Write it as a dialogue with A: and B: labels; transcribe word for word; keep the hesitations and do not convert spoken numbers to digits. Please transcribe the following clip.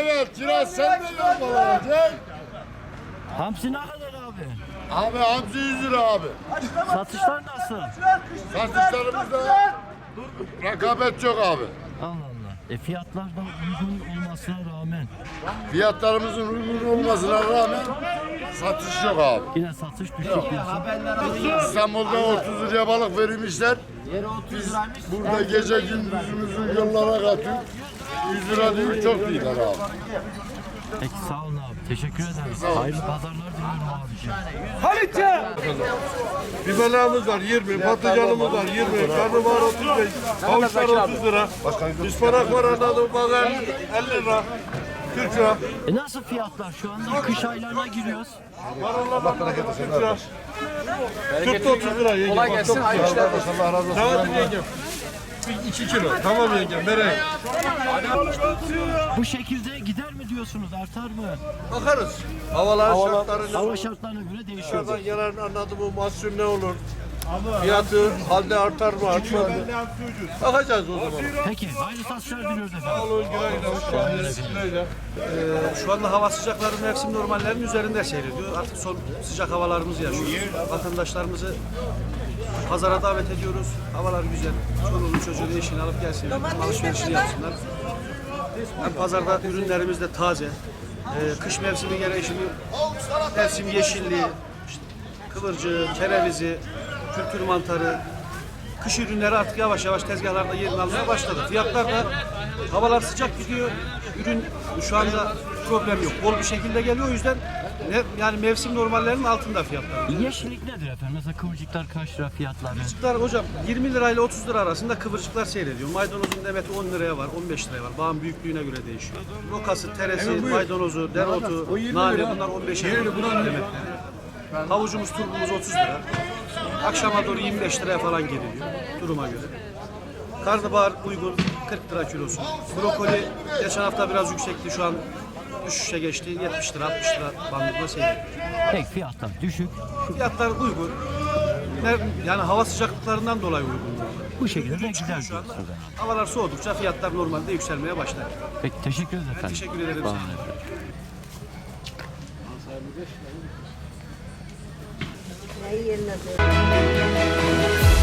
A: evet. Kiraz sen de yormalanacak.
B: Hamsi ne kadar abi?
A: Abi hamsi yüz lira abi.
B: Satışlar nasıl?
A: Satışlarımızda rekabet çok abi.
B: Allah Allah. E fiyatlar da uygun olmasına rağmen
A: Fiyatlarımızın uygun olmasına rağmen satış yok abi.
B: yine satış düşük diyorsun.
A: İstanbul'da otuz liraya balık verilmişler. Biz burada gece gündüzümüzü yollara katıyoruz. yüz lira diyor, çok değiller abi.
B: Peki sağ olun abi. Teşekkür ederiz. Hayırlı pazarlar diliyorum abiciğim.
C: Biberlerimiz var yirmi, patlıcanımız var yirmi, karnabahar otuz beş, havuçlar otuz lira, ıspanak var anladım bazen elli lira, kırk lira.
B: E nasıl fiyatlar şu anda? Kış aylarına giriyoruz.
C: Var Allah bereket versin. kırk lira. kırk otuz lira yengem. Kolay gelsin, hayırlı işler. Allah razı olsun. Tamam yengem. iki kilo. Tamam yengem, vereyim.
B: Bu şekilde gider mi diyorsunuz? Artar mı?
C: Bakarız. Havalar şartlarına.
B: Hava şartlarına göre değişiyor.
C: Dışarıdan gelen anladığımı mahsul ne olur? Fiyatı halde artar mı artmaz mı? Bakacağız o zaman.
B: Peki hayırlı satışlar diliyoruz efendim.
C: Sağ olun, güle güle, hoş geldiniz. Güle güle.
D: Şu anda hava sıcakları mevsim normallerinin üzerinde seyrediyor. Artık son sıcak havalarımızı yaşıyoruz. Vatandaşlarımızı pazara davet ediyoruz. Havalar güzel. Çoluğunu çocuğunu eşini alıp gelsinler. Alışverişini yapsınlar. Hem pazarda ürünlerimiz de taze. Ee, kış mevsimi gereği şimdi mevsim yeşilliği, işte kıvırcığı, kerevizi, kültür mantarı, kış ürünleri artık yavaş yavaş tezgahlarda yerini almaya başladı. Fiyatlar da havalar sıcak gidiyor. Ürün şu anda problem yok. Bol bir şekilde geliyor. O yüzden ne, yani mevsim normallerinin altında fiyatlar.
B: Yeşillik nedir efendim? Mesela kıvırcıklar kaç lira fiyatları?
D: Kıvırcıklar hocam yirmi lirayla otuz lira arasında kıvırcıklar seyrediyor. Maydanozun demeti on liraya var, on beş liraya var. Bağın büyüklüğüne göre değişiyor. Rokası, teresi, maydanozu, dereotu, nane bunlar on beş lira demetleri. Havucumuz, turbumuz otuz lira. Akşama doğru yirmi beş liraya falan geliyor duruma göre. Karnabahar uygun kırk lira kilosu. Brokoli geçen hafta biraz yüksekti, şu an düşüşe geçti. yetmiş lira altmış lira bandında seyrediyor.
B: Peki fiyatlar düşük.
D: Fiyatlar uygun. Ne- Yani hava sıcaklıklarından dolayı uygun.
B: Bu şekilde de gider
D: Şu anda
B: diyorsunuz. yani.
D: havalar soğudukça fiyatlar normalde yükselmeye başlar.
B: Peki teşekkür ederiz efendim.
D: teşekkür ederim.
B: Sağ olun efendim.
E: Neyi yerine koy?